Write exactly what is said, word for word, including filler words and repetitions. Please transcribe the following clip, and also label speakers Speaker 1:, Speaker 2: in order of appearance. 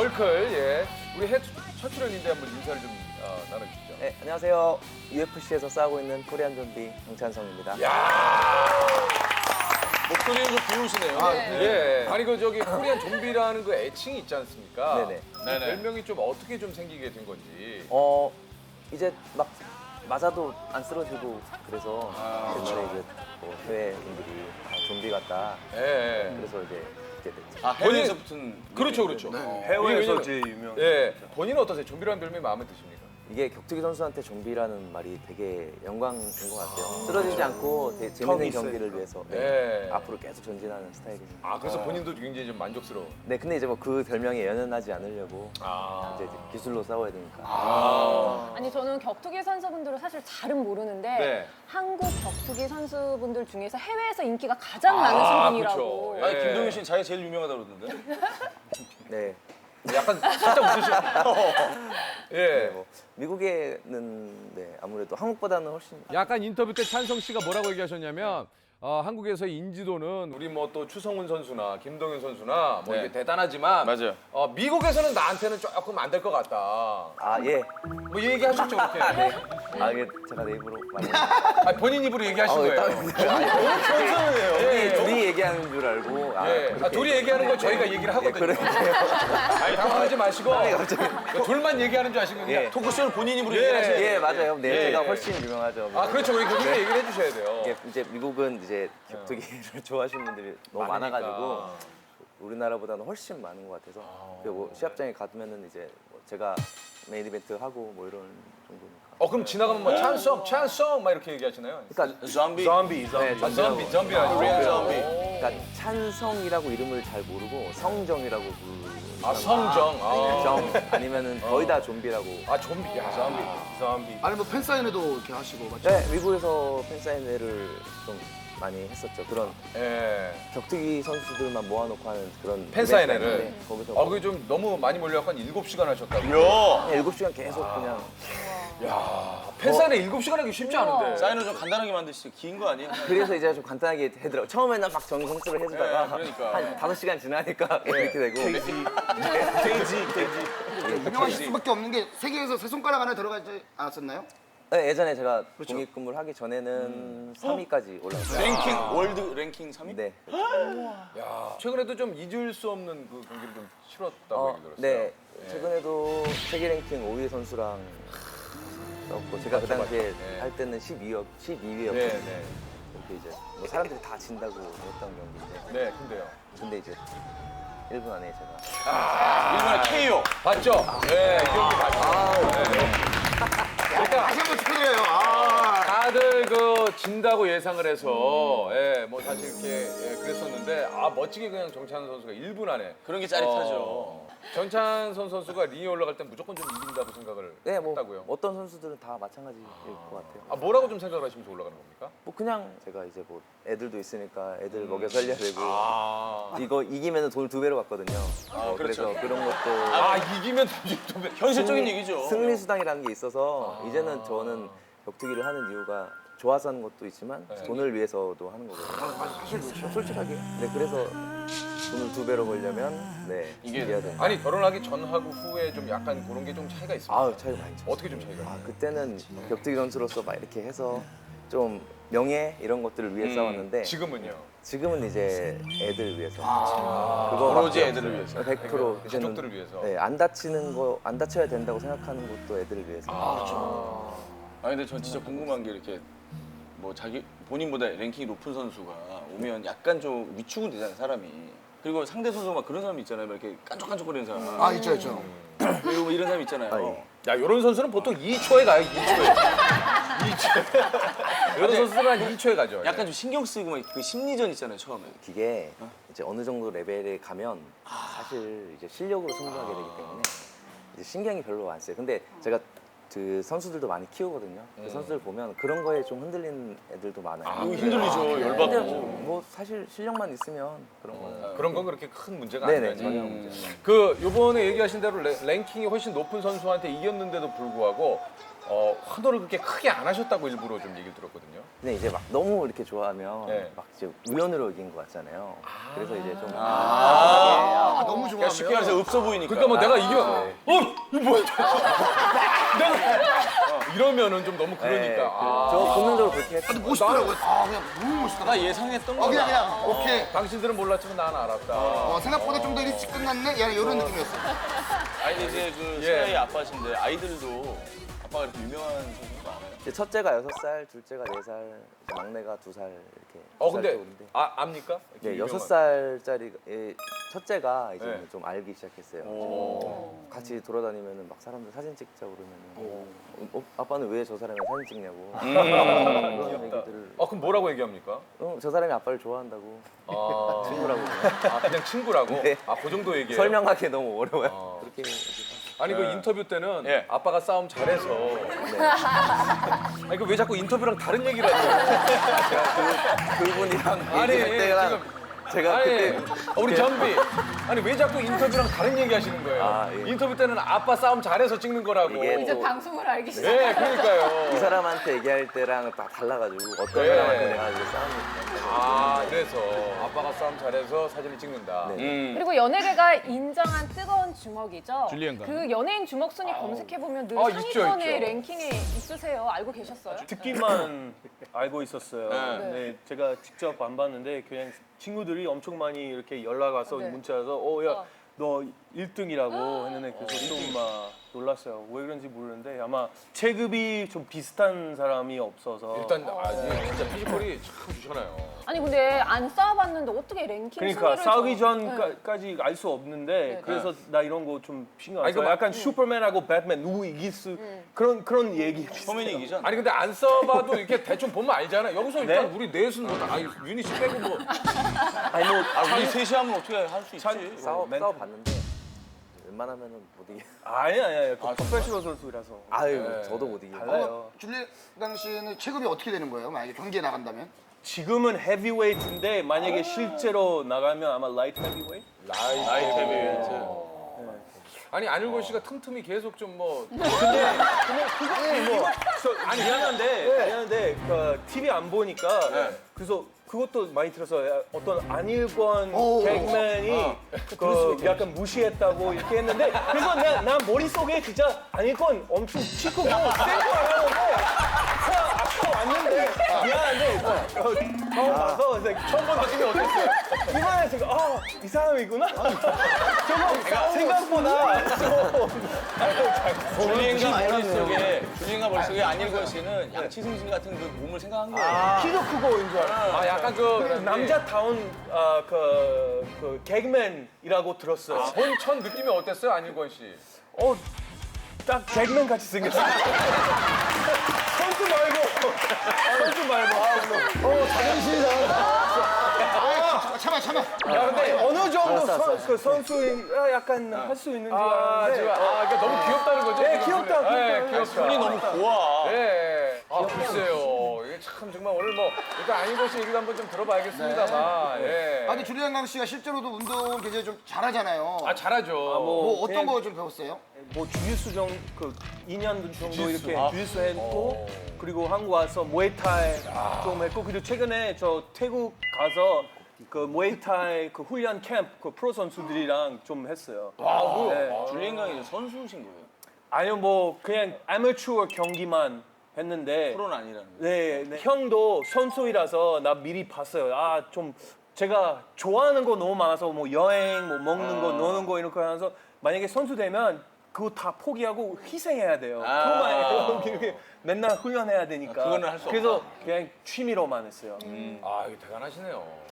Speaker 1: 월클, 예. 우리 해 첫 출연인데 한번 인사를 좀 어, 나눠주시죠.
Speaker 2: 네, 안녕하세요. 유에프씨에서 싸우고 있는 코리안 좀비 정찬성입니다.
Speaker 1: 야
Speaker 3: 목소리는 좀 비우시네요.
Speaker 1: 아, 예. 아니 그 저기 코리안 좀비라는 그 애칭이 있지 않습니까?
Speaker 2: 네네.
Speaker 1: 그
Speaker 3: 네네.
Speaker 1: 별명이 좀 어떻게 좀 생기게 된 건지.
Speaker 2: 어, 이제 막 맞아도 안 쓰러지고 그래서
Speaker 3: 아,
Speaker 2: 옛날에 이제 뭐 해외 분들이 아, 좀비 같다.
Speaker 1: 예. 예.
Speaker 2: 그래서 이제 이렇게 됐죠.
Speaker 3: 아, 해외에서 붙은.
Speaker 1: 그렇죠, 그렇죠.
Speaker 4: 해외에서
Speaker 1: 왜냐면-
Speaker 4: 제일 유명.
Speaker 1: 예. 본인은 어떠세요? 좀비라는 별명이 마음에 드십니까?
Speaker 2: 이게 격투기 선수한테 좀비라는 말이 되게 영광인 것 같아요. 쓰러지지 않고 되게 재밌는
Speaker 4: 턱이
Speaker 2: 경기를
Speaker 4: 있으니까.
Speaker 2: 위해서 네,
Speaker 1: 예.
Speaker 2: 앞으로 계속 전진하는 스타일이죠.
Speaker 1: 아, 그래서 본인도 굉장히 좀 만족스러워.
Speaker 2: 네, 근데 이제 뭐 그 별명에 연연하지 않으려고
Speaker 1: 아.
Speaker 2: 이제 기술로 싸워야 되니까.
Speaker 1: 아.
Speaker 5: 아니 저는 격투기 선수분들을 사실 잘은 모르는데
Speaker 1: 네.
Speaker 5: 한국 격투기 선수분들 중에서 해외에서 인기가 가장
Speaker 1: 아,
Speaker 5: 많으신 분이라고.
Speaker 1: 그렇죠.
Speaker 3: 아니,
Speaker 1: 예.
Speaker 3: 김동현 씨는 자기가 제일 유명하다고 그러던데.
Speaker 2: 네.
Speaker 1: 약간 살짝 웃으시네. 예.
Speaker 2: 네, 뭐 미국에는 네, 아무래도 한국보다는 훨씬
Speaker 6: 약간 인터뷰 때 찬성 씨가 뭐라고 얘기하셨냐면 어, 한국에서의 인지도는
Speaker 1: 우리 뭐 또 추성훈 선수나 김동현 선수나 뭐
Speaker 3: 네.
Speaker 1: 이게 대단하지만
Speaker 3: 맞아요.
Speaker 1: 어, 미국에서는 나한테는 조금 안 될 것 같다.
Speaker 2: 아 예.
Speaker 1: 뭐 이 얘기 하셨죠, 그렇게?
Speaker 2: 아 이게 제가 내 입으로 많이
Speaker 1: 아, 본인 입으로 얘기하신
Speaker 2: 아,
Speaker 1: 거예요.
Speaker 2: 둘이, 둘이 얘기하는 줄 알고 아,
Speaker 1: 예. 아,
Speaker 2: 그렇게
Speaker 1: 둘이 얘기하는 거 저희가 얘기를 하거든요.
Speaker 2: 그래요?
Speaker 1: 아니, 당황하지 마시고 그 둘만 얘기하는 줄 아시는 거예요.
Speaker 2: 예.
Speaker 3: 토크쇼를 본인 입으로
Speaker 1: 예.
Speaker 3: 얘기를 하시는
Speaker 2: 예 맞아요. 네
Speaker 1: 예,
Speaker 2: 제가
Speaker 1: 예.
Speaker 2: 훨씬 유명하죠.
Speaker 1: 아, 그렇죠. 우리 그렇게 얘기를 해주셔야 돼요.
Speaker 2: 이게 이제 미국은 이제 격투기를 좋아하시는 분들이 너무
Speaker 1: 많으니까.
Speaker 2: 많아가지고 우리나라보다는 훨씬 많은 것 같아서 그리고 뭐 시합장에 가면은 이제 뭐 제가 메인 이벤트 하고 뭐 이런 정도니까.
Speaker 1: 어, 그럼 지나가면 뭐 찬성, 찬성 막 이렇게 얘기하시나요?
Speaker 2: 그러니까
Speaker 3: 좀비.
Speaker 1: 좀비,
Speaker 2: 네,
Speaker 1: 아, 좀비, 좀비 아니고
Speaker 3: 코리안 좀비.
Speaker 2: 그러니까 찬성이라고 이름을 잘 모르고 성정이라고 부르는
Speaker 1: 아, 성정. 아,
Speaker 2: 정 아니면은 거의 다 좀비라고.
Speaker 1: 아 좀비. 야, 좀비.
Speaker 4: 좀비.
Speaker 7: 아니 뭐 팬사인회도 이렇게 하시고 맞죠?
Speaker 2: 네, 미국에서 팬사인회를 좀 많이 했었죠. 그런
Speaker 1: 예.
Speaker 2: 격투기 선수들만 모아놓고 하는 그런
Speaker 1: 팬사인회를?
Speaker 2: 이벤트인데 거기서
Speaker 1: 아, 그게 좀 너무 많이 몰려갖고 한 일곱 시간 하셨다고.
Speaker 3: 야.
Speaker 2: 그냥 일곱 시간 계속 그냥
Speaker 1: 야, 팬사인회 일곱 시간 하기 쉽지 않은데.
Speaker 3: 사인을 좀 간단하게 만드시죠. 긴 거 아니에요?
Speaker 2: 그래서 이제 좀 간단하게 해더라고. 처음에는 막 정성스레 해주다가
Speaker 3: 네, 그러니까.
Speaker 2: 한 다섯 시간 지나니까 이렇게 되고.
Speaker 3: 돼지, 돼지.
Speaker 7: 유명하실 수밖에 없는 게 세계에서 세 손가락 안에 들어가지 않았었나요?
Speaker 2: 네, 예전에 제가
Speaker 7: 그렇죠.
Speaker 2: 독립근무를 하기 전에는 삼 위까지 올라갔어요.
Speaker 3: 랭킹, 월드 랭킹 삼 위?
Speaker 2: 네.
Speaker 1: 야, 최근에도 좀 잊을 수 없는 그 경기를 좀 치렀다고
Speaker 2: 어,
Speaker 1: 얘기 들었어요.
Speaker 2: 네. 최근에도 세계 랭킹 오 위 선수랑 싸웠고 제가 그 당시에
Speaker 1: 네.
Speaker 2: 할 때는 십이 위, 십이 위였거든요.
Speaker 1: 네, 네.
Speaker 2: 이렇게 이제 뭐 사람들이 다 진다고 했던 경기인데
Speaker 1: 네, 근데요.
Speaker 2: 근데 이제 일 분 안에 제가
Speaker 3: 일본의 케이오.
Speaker 1: 봤죠? 네, 이 경기 봤죠. 네. 그러니까
Speaker 7: 다시 한번 축하드려요. 아,
Speaker 1: 다들 그 진다고 예상을 해서 예, 뭐 사실 이렇게 예, 그랬었는데 아 멋지게 그냥 정찬 선수가 일 분 안에
Speaker 3: 그런 게 짜릿하죠.
Speaker 1: 어, 정찬선 선수가 링에 올라갈 땐 무조건 좀 이긴다고 생각을
Speaker 2: 네, 뭐
Speaker 1: 했다고요.
Speaker 2: 어떤 선수들은 다 마찬가지일 것 같아요.
Speaker 1: 아 뭐라고 좀 생각을 하시면서 올라가는 겁니까?
Speaker 2: 뭐 그냥 제가 이제 뭐 애들도 있으니까 애들 먹여 살려야 되고
Speaker 1: 아,
Speaker 2: 이거 이기면 돈을 두 배로 받거든요. 어,
Speaker 3: 그렇죠.
Speaker 2: 그래서 그런 것도
Speaker 1: 아 이기면 좀
Speaker 3: 현실적인
Speaker 2: 승리-
Speaker 3: 얘기죠.
Speaker 2: 승리 수당이라는 게 있어서 이제는 저는 격투기를 하는 이유가 좋아서 하는 것도 있지만
Speaker 1: 네.
Speaker 2: 돈을 위해서도 하는 거거든요. 솔직하게. 네, 그래서 돈을 두 배로 벌려면 네
Speaker 3: 이게-
Speaker 2: 이겨야 된다.
Speaker 1: 아니 결혼하기 전하고 후에 좀 약간 그런 게 좀 차이가 있습니다.
Speaker 2: 아우 차이가 많이 죠.
Speaker 1: 어떻게 좀 차이가?
Speaker 2: 아
Speaker 1: 있어요?
Speaker 2: 그때는 격투기 선수로서 막 이렇게 해서 좀 명예 이런 것들을 위해
Speaker 3: 음,
Speaker 2: 싸웠는데
Speaker 1: 지금은요?
Speaker 2: 지금은 이제 애들 위해서
Speaker 1: 아,
Speaker 2: 그거
Speaker 3: 오로지 애들을 위해서.
Speaker 2: 백 퍼센트
Speaker 1: 그러니까 가족들을 위해서.
Speaker 2: 네, 안 다치는 거 안 다쳐야 된다고 생각하는 것도 애들을 위해서.
Speaker 3: 아 근데 전 진짜 궁금한 게 이렇게 뭐 자기 본인보다 랭킹이 높은 선수가 오면 약간 좀 위축은 되잖아요 사람이. 그리고 상대 선수가 막 그런 사람 있잖아요. 막 이렇게 깐족깐족거리는 사람.
Speaker 7: 아 있죠 있죠.
Speaker 3: 그리고 뭐 이런 사람 있잖아요.
Speaker 2: 아, 예.
Speaker 1: 야 이런 선수는 보통 이 초에 가요. 이 초에. 이 초. 이런 선수들은 한 이 초에 가죠.
Speaker 3: 약간 좀 신경 쓰이고 막 그 심리전 있잖아요 처음에.
Speaker 2: 기계 이제 어느 정도 레벨에 가면 사실 이제 실력으로 승부하게 되기 때문에 이제 신경이 별로 안 써요. 근데 제가 그 선수들도 많이 키우거든요. 그 선수들 보면 그런 거에 좀 흔들리는 애들도 많아요.
Speaker 3: 이거 힘들리죠
Speaker 2: 근데
Speaker 3: 열받고.
Speaker 2: 뭐 사실 실력만 있으면 그런 거는
Speaker 1: 그런 건 그렇게 큰 문제가
Speaker 2: 네네
Speaker 1: 아니죠.
Speaker 2: 전혀
Speaker 3: 음.
Speaker 2: 문제.
Speaker 1: 그 요번에 얘기하신 대로 레- 랭킹이 훨씬 높은 선수한테 이겼는데도 불구하고 어, 환호를 그렇게 크게 안 하셨다고 일부러 좀 얘기를 들었거든요.
Speaker 2: 근데 이제 막 너무 이렇게 좋아하면
Speaker 1: 네.
Speaker 2: 막 이제 우연으로 이긴 거 같잖아요. 그래서 이제 좀
Speaker 7: 아, 너무
Speaker 1: 그러니까
Speaker 7: 좋아하면
Speaker 3: 쉽게 말해서 없어 보이니까.
Speaker 1: 그러니까 뭐 내가 이겨
Speaker 2: 아,
Speaker 1: 어 이거 뭐야? 내가 어, 이러면은 좀 너무 그러니까.
Speaker 2: 네, 그-
Speaker 1: 아.
Speaker 2: 저 본능적으로 그렇게 했어요.
Speaker 7: 근데 멋있더라고요. 아 그냥 너무 멋있더라고요.
Speaker 3: 나 예상했던
Speaker 7: 어
Speaker 3: 거야.
Speaker 7: 그냥 그냥 오케이.
Speaker 1: 당신들은 몰랐지만 난 알았다.
Speaker 7: 어, 생각보다 좀 더 일찍 끝났네. 야 이런 느낌이었어.
Speaker 3: 아니 근데 이제 그
Speaker 1: 예.
Speaker 3: 세아의 아빠신데 아이들도 아빠가 이렇게 유명한 선수가 많아요.
Speaker 2: 이제 첫째가 여섯 살, 둘째가 네 살, 이제 막내가 두 살 이렇게.
Speaker 1: 어
Speaker 2: 두살
Speaker 1: 근데
Speaker 2: 정도인데.
Speaker 1: 아 압니까?
Speaker 2: 네,
Speaker 1: 이렇게
Speaker 2: 여섯
Speaker 1: 유명한-
Speaker 2: 살짜리 첫째가 이제
Speaker 1: 네.
Speaker 2: 좀 알기 시작했어요.
Speaker 3: 오.
Speaker 2: 같이 돌아다니면은 막 사람들 사진 찍자 그러면은 어, 아빠는 왜 저 사람이 사진 찍냐고
Speaker 3: 음.
Speaker 2: 그런 얘기들을
Speaker 1: 아 그럼 뭐라고 얘기합니까?
Speaker 2: 어, 저 사람이 아빠를 좋아한다고
Speaker 1: 아,
Speaker 2: 친구라고
Speaker 1: 아 그냥 친구라고?
Speaker 2: 네.
Speaker 1: 아 그 정도 얘기예요?
Speaker 2: 설명하기 너무 어려워요.
Speaker 1: 어.
Speaker 2: 그렇게 얘기해서.
Speaker 1: 아니 그 인터뷰 때는
Speaker 3: 예.
Speaker 1: 아빠가 싸움 잘해서
Speaker 2: 네.
Speaker 1: 아니 그 왜 자꾸 인터뷰랑 다른 얘기를 하세요?
Speaker 2: 제가 그, 그분이랑
Speaker 1: 아니,
Speaker 2: 얘기할 때랑
Speaker 1: 지금-
Speaker 2: 제가
Speaker 1: 아니
Speaker 2: 그때
Speaker 1: 우리 전비 아니 왜 자꾸 인터뷰랑 다른 얘기 하시는 거예요?
Speaker 2: 아, 예.
Speaker 1: 인터뷰 때는 아빠 싸움 잘해서 찍는 거라고.
Speaker 2: 이게
Speaker 5: 이제
Speaker 2: 또-
Speaker 5: 방송을 알기 시작.
Speaker 1: 네 그러니까요.
Speaker 2: 이 사람한테 얘기할 때랑 다 달라가지고 어떤
Speaker 1: 네.
Speaker 2: 사람한테 내가 이제 싸움이 있다.
Speaker 1: 아 그래서 아빠가 싸움 잘해서 사진을 찍는다.
Speaker 2: 네.
Speaker 3: 음.
Speaker 5: 그리고 연예계가 인정한 뜨거운 주먹이죠.
Speaker 6: 줄리엔가.
Speaker 5: 그 연예인 주먹 순위 검색해 보면 늘
Speaker 1: 아, 있죠,
Speaker 5: 상위권에
Speaker 1: 있죠.
Speaker 5: 랭킹에 있으세요. 알고 계셨어요?
Speaker 4: 듣기만 알고 있었어요.
Speaker 3: 네.
Speaker 4: 네, 제가 직접 안 봤는데 그냥 친구들이 엄청 많이 이렇게 연락 와서
Speaker 5: 네.
Speaker 4: 문자 와서 어, 야,
Speaker 5: 어.
Speaker 4: 너 일 등이라고 했는데 그래서 좀 막 놀랐어요. 왜 그런지 모르는데 아마 체급이 좀 비슷한 사람이 없어서
Speaker 1: 일단 아 이게 진짜 피지컬이 참 좋잖아요.
Speaker 5: 아니 근데 안 싸워봤는데 어떻게 랭킹
Speaker 4: 그러니까
Speaker 5: 순위를
Speaker 4: 싸우기
Speaker 5: 저- 네.
Speaker 4: 전까지 알 수 없는데
Speaker 5: 네.
Speaker 4: 그래서 나 이런 거 좀 신경 안
Speaker 1: 아니,
Speaker 4: 써요.
Speaker 1: 그 막-
Speaker 4: 약간 슈퍼맨하고 배트맨 누구 이길 수 그런 그런 얘기
Speaker 3: 소민이 이기잖아.
Speaker 1: 아니 근데 안 써봐도 이렇게 대충 보면 알잖아. 여기서 일단
Speaker 4: 네?
Speaker 1: 우리 넷은 뭐 아, 유니 씨 빼고 뭐
Speaker 4: 아니 뭐
Speaker 3: 아, 우리 셋이 하면 어떻게 할 수 있지?
Speaker 2: 싸워
Speaker 4: 멘탈.
Speaker 2: 싸워 봤는데 웬만하면은 못 이겨.
Speaker 4: 아니 아니 아니 그 프로페셔널 선수라서
Speaker 2: 아유
Speaker 1: 네.
Speaker 2: 저도 못 이겨.
Speaker 4: 달라요.
Speaker 7: 어, 줄리강 씨는 체급이 어떻게 되는 거예요? 만약에 경기에 나간다면?
Speaker 4: 지금은 헤비웨이트인데 만약에 실제로 나가면 아마 라이트 헤비웨이트?
Speaker 1: 라이트
Speaker 3: 나이트 헤비웨이트.
Speaker 1: 아니 안일권 씨가 틈틈이 계속 좀뭐
Speaker 4: 뭐 저, 아니 미안한데 미안한데 그 티비 안 보니까
Speaker 3: 네.
Speaker 4: 그래서 그것도 많이 들었어요. 어떤 안일권
Speaker 7: 오.
Speaker 4: 개그맨이 그 약간 무시했다고 이렇게 했는데 그래서 난, 난 머릿속에 진짜 안일권 엄청 키 크고 센거 알았는데 아까 왔는데 미안한데 어, 처음 봐서 이제 처음 본 느낌이 어땠어요? 이번에 제가 아, 이 사람이구나? 저거 생각보다 좀
Speaker 3: 줄리엔가 머릿속에 줄리엔가 머릿속에 안일권 씨는 양치승진 같은 그 몸을 생각한 거예요.
Speaker 4: 키도 크고인 줄 알아요.
Speaker 1: 아 약간 그
Speaker 4: 남자다운 아, 그, 그 개그맨이라고 들었어요.
Speaker 1: 본천 느낌이 어땠어요 안일권 씨?
Speaker 4: 어, 딱 개그맨 같이 생겼어요. 선수 말고, 선수 말고. 어, 자존심이
Speaker 7: 아, 참아 참아.
Speaker 4: 야, 근데 어느 정도 선, 그 선수 약간 할 수 있는 줄
Speaker 1: 아
Speaker 4: 알았는데.
Speaker 1: 지금 아 그러니까 너무 귀엽다는 거죠?
Speaker 4: 네,
Speaker 1: 지금?
Speaker 4: 귀엽다, 귀엽다.
Speaker 1: 네, 귀엽다.
Speaker 3: 손이 너무 고와.
Speaker 1: 네. 아 글쎄요. 이게 참 정말 오늘 뭐 일단 안일권 씨 얘기도 한번 좀 들어봐야겠습니다만. 예.
Speaker 7: 아니 줄리강 씨가 실제로도 운동 굉장히 좀 잘하잖아요.
Speaker 1: 아 잘하죠.
Speaker 7: 뭐 어떤
Speaker 4: 그냥-
Speaker 7: 거 좀 배웠어요?
Speaker 4: 뭐 주짓수 정도 그 이 년 정도
Speaker 1: 주짓수.
Speaker 4: 이렇게
Speaker 1: 아.
Speaker 4: 주짓수 했고
Speaker 1: 어.
Speaker 4: 그리고 한국 와서 무에타이 좀 했고 그리고 최근에 저 태국 가서 그 무에타이 그 훈련 캠프 그 프로 선수들이랑 좀 했어요.
Speaker 1: 아,
Speaker 4: 네.
Speaker 3: 줄리엔가 이제 선수신 거예요.
Speaker 4: 아니요 뭐 그냥 아마추어 경기만 했는데
Speaker 3: 프로는 아니라는 거예요.
Speaker 4: 네, 네. 형도 선수이라서 나 미리 봤어요. 아 좀 제가 좋아하는 거 너무 많아서 뭐 여행, 뭐 먹는 거, 노는 거 이런 거 하면서 만약에 선수 되면 그거 다 포기하고 희생해야 돼요.
Speaker 3: 아.
Speaker 4: 그것만 이렇게 맨날 훈련해야 되니까.
Speaker 3: 그거는 할수
Speaker 4: 그래서
Speaker 3: 없다.
Speaker 4: 그냥 취미로만 했어요.
Speaker 1: 아 이거 대단하시네요.